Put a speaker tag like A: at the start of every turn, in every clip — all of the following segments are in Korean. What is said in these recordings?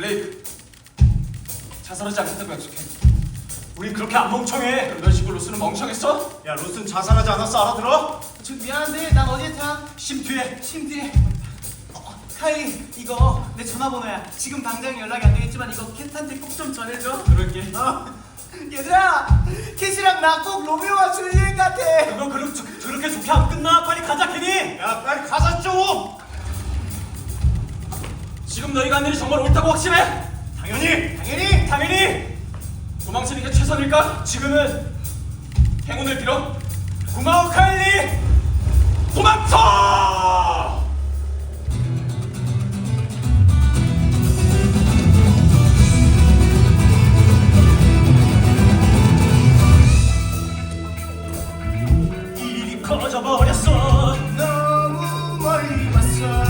A: 블레이크, 자살하지 않겠다고 약속해. 우린 그렇게 안 멍청해. 그런 식으로 로스는 멍청했어?
B: 야, 로스는 자살하지 않았어, 알아들어?
C: 저 미안한데 난 어디에 타?
A: 심뒤에.
C: 침대에. 카이 이거 내 전화번호야. 지금 당장 연락이 안 되겠지만 이거 캣한테 꼭 좀 전해줘.
A: 그럴게.
C: 얘들아, 캣이랑 나 꼭 로미오와 줄리엣 같아.
A: 그거 그렇게 좋게 안 끝나. 빨리 가자, 캐니.
B: 야, 빨리 가자 좀!
A: 지금 너희가 한 일이 정말 옳다고 확신해?
B: 당연히!
A: 도망치는 게 최선일까? 지금은 행운을 빌어. 고마워, 카일리. 도망쳐! 일이 커져버렸어.
C: 너무 멀리 왔어.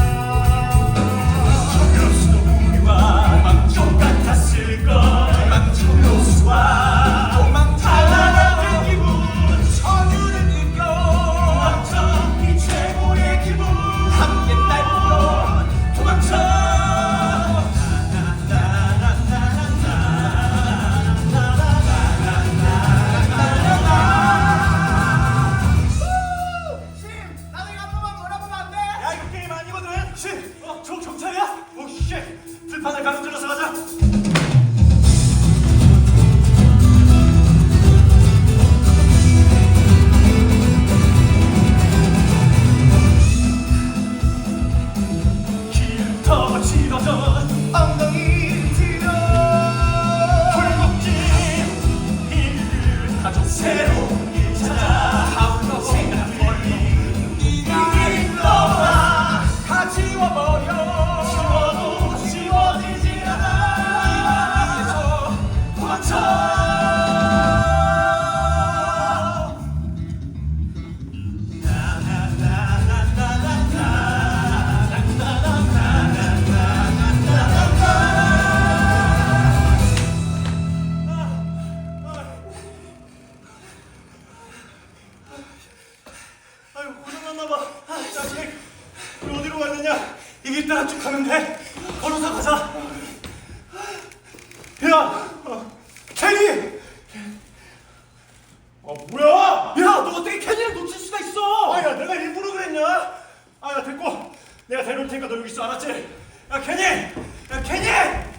A: 로스도 우리와 똑같았을걸. 로스와 달라가는 기분, 전율을 느껴. 도망쳐, 이 최고의 기분. 함께 날뛰어 도망쳐.
C: 심, 나도 이거 한 번만 몰아보면 안 돼?
B: 야, 이거 게임 아니거든!
A: 저 경찰이야?
B: 오, 씨! 들판을 가로질러서 가자!
A: 더 길어져.
C: 엉덩이 뒤로.
A: 굴곡진 일을 가져 새로운 길 찾아. 하울러 생각 멀리 네가 일러와. 다 지워버려. 지워도 지워지지 않아. 위에서 도망쳐.
B: 아유, 고장났나봐. 야, 잭, 우리 어디로 가야 되냐?
A: 이 길 따라 쭉 가면 돼. 걸어서 가자.
B: 야!
A: 캐니!
B: 뭐야!
A: 야, 너 어떻게 캐니를 놓칠 수가 있어?
B: 야, 내가 일부러 그랬냐? 야, 됐고. 내가 데려올 테니까 너 여기 있어, 알았지? 야, 캐니!